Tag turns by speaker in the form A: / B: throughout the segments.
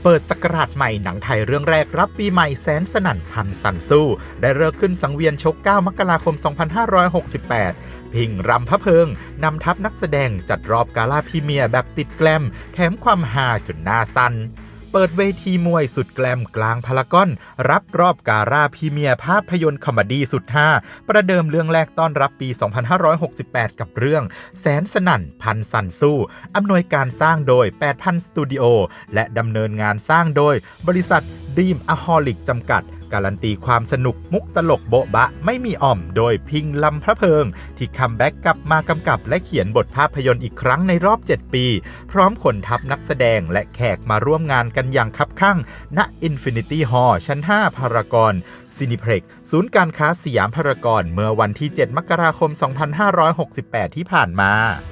A: เปิดศักราชใหม่หนังไทยเรื่องแรกรับปีใหม่แสนสนั่นพันสันสู้ได้เลิกขึ้นสังเวียนชก 9 มกราคม 2568 พิงรำพระเพิงนำทัพนักแสดงจัดรอบกาล่าพรีเมียร์แบบติดแกลมแถมความฮาจนหน้าสั่นเปิดเวทีมวยสุดแกลมกลางพารากอนรับรอบกาล่าพรีเมียร์ภาพยนตร์คอมเมดี้สุดฮาประเดิมเรื่องแรกต้อนรับปี 2568 กับเรื่องแสนสนั่นพันสันสู้อำนวยการสร้างโดย 8,000 สตูดิโอและดำเนินงานสร้างโดยบริษัทดีมอะฮอลิกจำกัดการันตีความสนุกมุกตลกโบ๊ะบะไม่มีอ่อมโดยพิงลำพระเพิงที่คัมแบ็กกลับมากำกับและเขียนบทภาพยนตร์อีกครั้งในรอบ 7 ปีพร้อมขนทัพนักแสดงและแขกมาร่วมงานกันอย่างคับคั่งณ Infinity Hall ชั้น 5 พารากอนซินิเพล็กซ์ศูนย์การค้าสยามพารากอนเมื่อวันที่ 7 มกราคม 2568 ที่ผ่านมา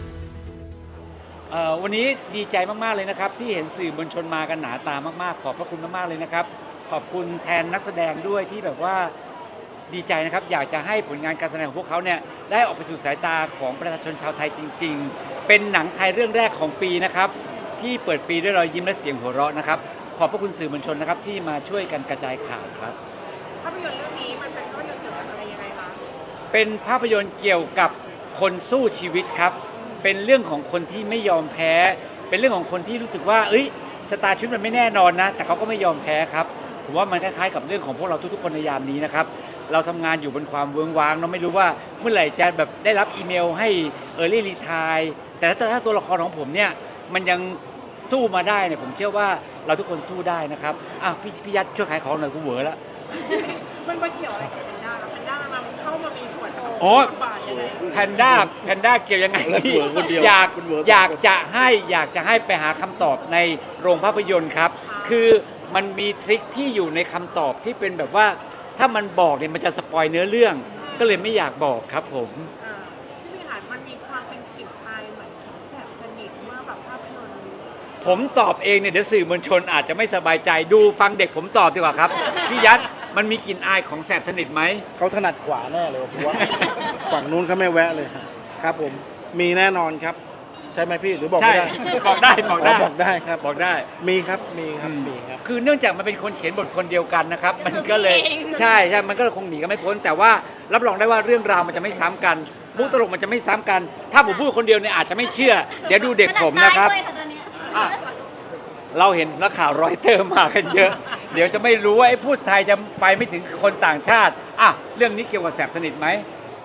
B: วันนี้ดีใจมากๆเลยนะครับที่เห็นสื่อมวลชนมากันหนาตามากๆขอบพระคุณมากๆเลยนะครับขอบคุณแทนนักแสดงด้วยที่แบบว่าดีใจนะครับอยากจะให้ผลงานการแสดงของพวกเขาเนี่ยได้ออกไปสู่สายตาของประชาชนชาวไทยจริงๆเป็นหนังไทยเรื่องแรกของปีนะครับที่เปิดปีด้วยรอยยิ้มและเสียงหัวเราะนะครับขอบพระคุณสื่อมวลชนนะครับที่มาช่วยกันกระจายข่าวครับ
C: ภาพยนตร์เรื่องนี้มันเป็นภาพยนตร์เกี่ยวกับอะไรยังไงคะ
B: เป็นภาพยนตร์เกี่ยวกับคนสู้ชีวิตครับเป็นเรื่องของคนที่ไม่ยอมแพ้เป็นเรื่องของคนที่รู้สึกว่าชะตาชีวิตมันไม่แน่นอนนะแต่เขาก็ไม่ยอมแพ้ครับผมว่ามันคล้ายๆกับเรื่องของพวกเราทุกๆคนในยามนี้นะครับเราทำงานอยู่บนความเวิ้งว้างเราไม่รู้ว่าเมื่อไหร่จะแบบได้รับอีเมลให้early retire แต่ถ้าตัวละครของผมเนี่ยมันยังสู้มาได้เนี่ยผมเชื่อว่าเราทุกคนสู้ได้นะครับพี่ยัดช่วยขายของหน่อยกูเหวอแล้ว
C: มันมาเกี่ยวอะไรกับแพนด้าครับแพนด้ามันเข้ามามีส่วนบาทยังไง
B: แพนด้าเกี่ยวยังไงอยากจะให้ไปหาคำตอบในโรงภาพยนตร์ครับคือมันมีทริคที่อยู่ในคำตอบที่เป็นแบบว่าถ้ามันบอกเนี่ยมันจะสปอยเนื้อเรื่องก็เลยไม่อยากบอกครับผม
C: พี่หานมันมีความเป็นกลิ่นอายเหมือนแสบสนิทเมื่อแบบภาพยนตร์
B: ผมตอบเองเนี่ยเดี๋ยวสื่อมวลชนอาจจะไม่สบายใจดูฟังเด็กผมตอบดีกว่าครับพี่ยัดมันมีกลิ่นอายของแสบสนิทไหม
D: เขาถนัดขวาแน่เลยผมว่าฝั่งนู้นเขาไม่แวะเลยครับผมมีแน่นอนครับใช่ไหมพี่หรือบอกไม่ได้
B: บอกได้ครับบอกได้
D: มีครับ
B: คือเนื่องจากมันเป็นคนเขียนบทคนเดียวกันนะครับมันก็เลยใช่มันก็คงหนีกันไม่พ้นแต่ว่ารับรองได้ว่าเรื่องราวมันจะไม่ซ้ำกันมุกตลกมันจะไม่ซ้ำกันถ้าผมพูดคนเดียวเนี่ยอาจจะไม่เชื่อเดี๋ยวดูเด็กผมนะครับเราเห็นนักข่าวรอยเตอร์มากันเยอะเดี๋ยวจะไม่รู้ว่าไอ้พูดไทยจะไปไม่ถึงคนต่างชาติเรื่องนี้เกี่ยวกับแสบสนิทไหม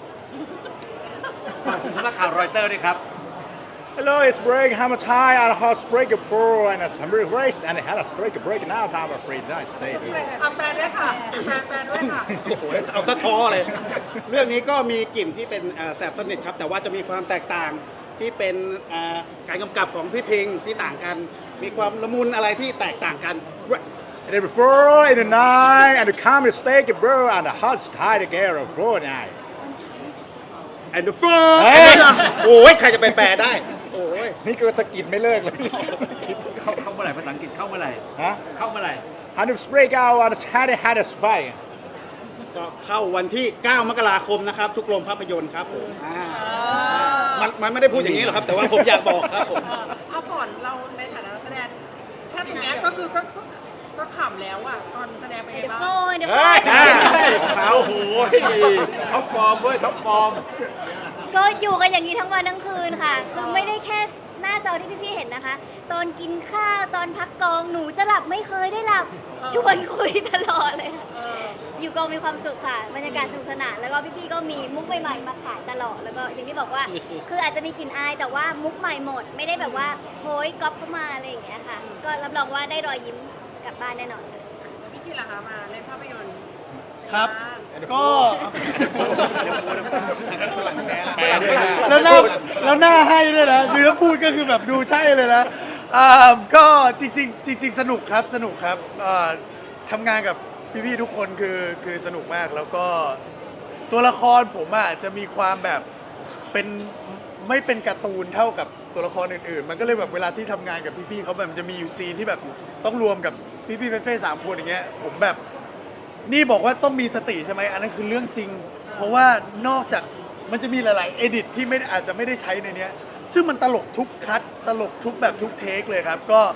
B: นักข่าวรอยเตอร์ด้วยครับ
E: Hello, it's break. I'm a Thai. I had a break before and I'm really race and I had a break now. I'm afraid that I stayed.
C: แปลด้วยค่ะแปลด้วยค่ะ
D: โอ้โหเอาสะท้อเลยเรื่องนี้ก็มีกลิ่นที่เป็นแสบสนิทครับแต่ว่าจะมีความแตกต่างที่เป็นการกำกับของพี่พิงที่ต่างกันมีความละมุนอะไรที่แตกต่างกัน
E: And then before in the night and the comedy steak bro and the hot Thai together for night.
D: And the first โอ้ยใครจะไปแปลได้โอ้ย
E: นี่ก็สกิดไม่เลิกเลย
B: เข้าเมื่อไหร่ภาษาอังกฤษเข้าเมื่อไหร่เข้าเมื่อไหร่
E: And the break out and had a spy
D: ก็เข้าวันที่ 9 มกราคมนะครับทุกโรงภาพยนตร์ครับผมมันไม่ได้พูดอย่างนี้หรอกครับแต่ว่าผมอยากบอกครับผม
C: ก่อนเราในฐานะนักแสดงแค่ตรงนี้ก็คือก็ขำแล้วอ่ะตอนแสดงเป็นไงบ้าง
B: เขาโอ้ยท็อปฟอร์มเว้ยท็อปฟอร์ม
F: ก็อยู่กันอย่างนี้ทั้งวันทั้งคืนค่ะคือไม่ได้แค่หน้าจอที่พี่ๆเห็นนะคะตอนกินข้าวตอนพักกองหนูจะหลับไม่เคยได้หลับชวนคุยตลอดเลยอยู่กองมีความสุขค่ะบรรยากาศสนุกสนานแล้วก็พี่ๆก็มีมุกใหม่ๆมาขายตลอดแล้วก็อย่างที่บอกว่าคืออาจจะมีกลิ่นอายแต่ว่ามุกใหม่หมดไม่ได้แบบว่าโหยก๊อปเข้ามาอะไรอย่างเงี้ยค่ะก็รับรองว่าได้รอยยิ้มกลับบ้านแน่นอนเลย
C: พี่ชิล่ะคะมาเล่นภาพยนตร์
D: ครับก็
G: แล้วหน้าให้ด้วยนะเนื้อพูดก็คือแบบดูใช่เลยนะก็จริงสนุกครับทำงานกับพี่ๆทุกคนคือสนุกมากแล้วก็ตัวละครผมจะมีความแบบเป็นไม่เป็นการ์ตูนเท่ากับตัวละครอื่นๆมันก็เลยแบบเวลาที่ทำงานกับพี่ๆเขาแบบจะมีอยู่ซีนที่แบบต้องรวมกับพี่ๆเฟ่ๆ3 คนอย่างเงี้ยผมแบบนี่บอกว่าต้องมีสติใช่ไหมอันนั้นคือเรื่องจริงเพราะว่านอกจากมันจะมีหลายๆเอดิตที่อาจจะไม่ได้ใช้ในนี้ซึ่งมันตลกทุกคัทตลกทุกแบบทุกเทคเลยครับก็ผ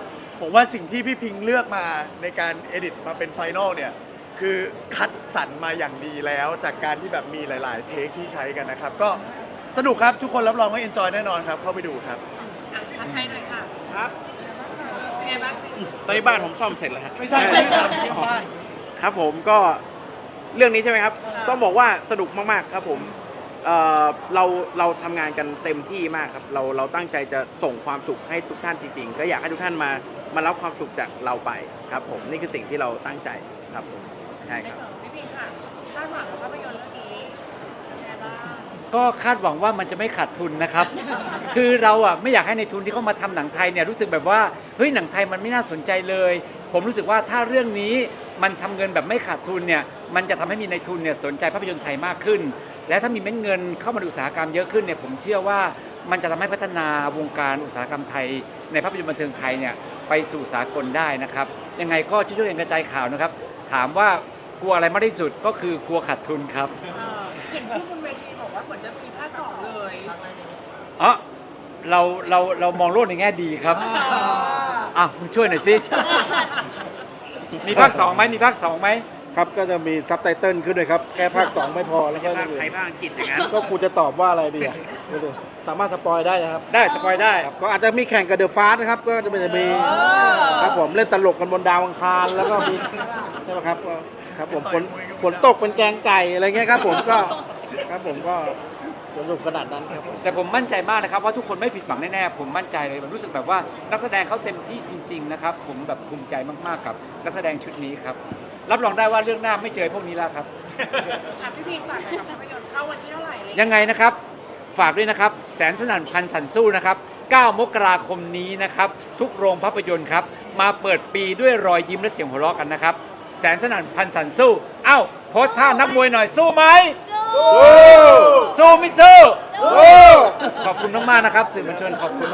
G: ผมว่าสิ่งที่พี่พิงเลือกมาในการเอดิตมาเป็นไฟนอลเนี่ยคือคัดสรรมาอย่างดีแล้วจากการที่แบบมีหลาย ๆ เทคที่ใช้กันนะครับก็สนุกครับทุกคนรับรองว่าเอนจอยแน่นอนครับเข้าไปดูครับ
C: อ่ะผัดไทยหน่อยค่ะ
H: ครับ
C: เป็นไงบ้าง
H: ตอนนี้บ้านผมซ่อมเสร็จแล้วฮะ
G: ไม่ใช่ไม่ใช่ที่บ้าน
H: ครับผมก็เรื่องนี้ใช่ไหมครับ ต้องบอกว่าสนุกมากๆครับผมเราทำงานกันเต็มที่มากครับเราตั้งใจจะส่งความสุขให้ทุกท่านจริงๆก็อยากให้ทุกท่านมารับความสุขจากเราไปครับผมนี่คือสิ่งที่เราตั้งใจครับผมใช่
C: ใน
H: ครับ
C: ส่วนของพี่พิงค่ะคาดหวังกับภาพยนตร์เรื่องนี้เป็นไงบ้าง
B: ก็คาดหวังว่ามันจะไม่ขาดทุนนะครับ คือเราอ่ะไม่อยากให้ในทุนที่เขามาทำหนังไทยเนี่ยรู้สึกแบบว่าเฮ้ยหนังไทยมันไม่น่าสนใจเลย ผมรู้สึกว่าถ้าเรื่องนี้มันทำเงินแบบไม่ขาดทุนเนี่ยมันจะทำให้มีในทุนเนี่ยสนใจภาพยนตร์ไทยมากขึ้น และถ้ามีเม็ดเงินเข้ามาในอุตสาหกรรมเยอะขึ้นเนี่ยผมเชื่อว่ามันจะทำให้พัฒนาวงการอุตสาหกรรมไทยในภาพยนตร์บันเทิงไทยเนี่ยไปสู่สากลได้นะครับยังไงก็ช่วยๆกันกระจายข่าวนะครับถามว่ากลัวอะไรมากที่สุดก็คือกลัวขาดทุนครับ
C: เห็นพูดบนเวทีบอกว่าเหมือนจะมีภาค 2 เลย
B: อ๋อเรามองโลกในแง่ดีครับอ่ะมึงช่วยหน่อยสิ มีภาคสองไหมมีภาคสองไหม
I: ครับก็จะมีซับไตเติลขึ้นด้วยครับ แค่ภาค 2 ไม่พอแล้วก็
H: ภาคไทยภาคอังกฤษอย่างนั้น
I: ก็กูจะตอบว่าอะไรดีอ่ะดูดิสามารถสปอยได้นะครับ
B: ได้สปอยได้
I: ครับก็อาจจะมีแข่งกับเดอะฟาสนะครับ ก็จะมีครับผมเล่นตลกกันบนดาวอังคารแล้วก็มีใช่ไหมครับก็ครับผมฝนตกเป็นแกงไก่อะไรเงี้ยครับผมก็ครับผมก็สนุกขนาดนั้นครับผม
B: แต่ผมมั่นใจมากนะครับว่าทุกคนไม่ผิดหวังแน่ๆผมมั่นใจเลยผมรู้สึกแบบว่านักแสดงเขาเต็มที่จริงๆนะครับผมแบบภูมิใจมากๆกับนักแสดงชุดนี้ครับรับรองได้ว่าเรื่องหน้าไม่เจอพวกนี้แล้วครับ
C: อ่ะพี่พิงฝากหน่อยกับภาพยนตร์เข้าวันที่เท่าไหร่เลย
B: ยังไงนะครับฝากด้วยนะครับแสนสนั่นพันสันสู้นะครับ9 มกราคมนี้นะครับทุกโรงภาพยนตร์ครับมาเปิดปีด้วยรอยยิ้มและเสียงหัวเราะกันนะครับแสนสนั่นพันสันสู้เอ้าโพสท่านักมวยหน่อยสู้ไหมสู้ไม่สู้ขอบคุณมากๆนะครับสื่อมวลชนขอบคุณ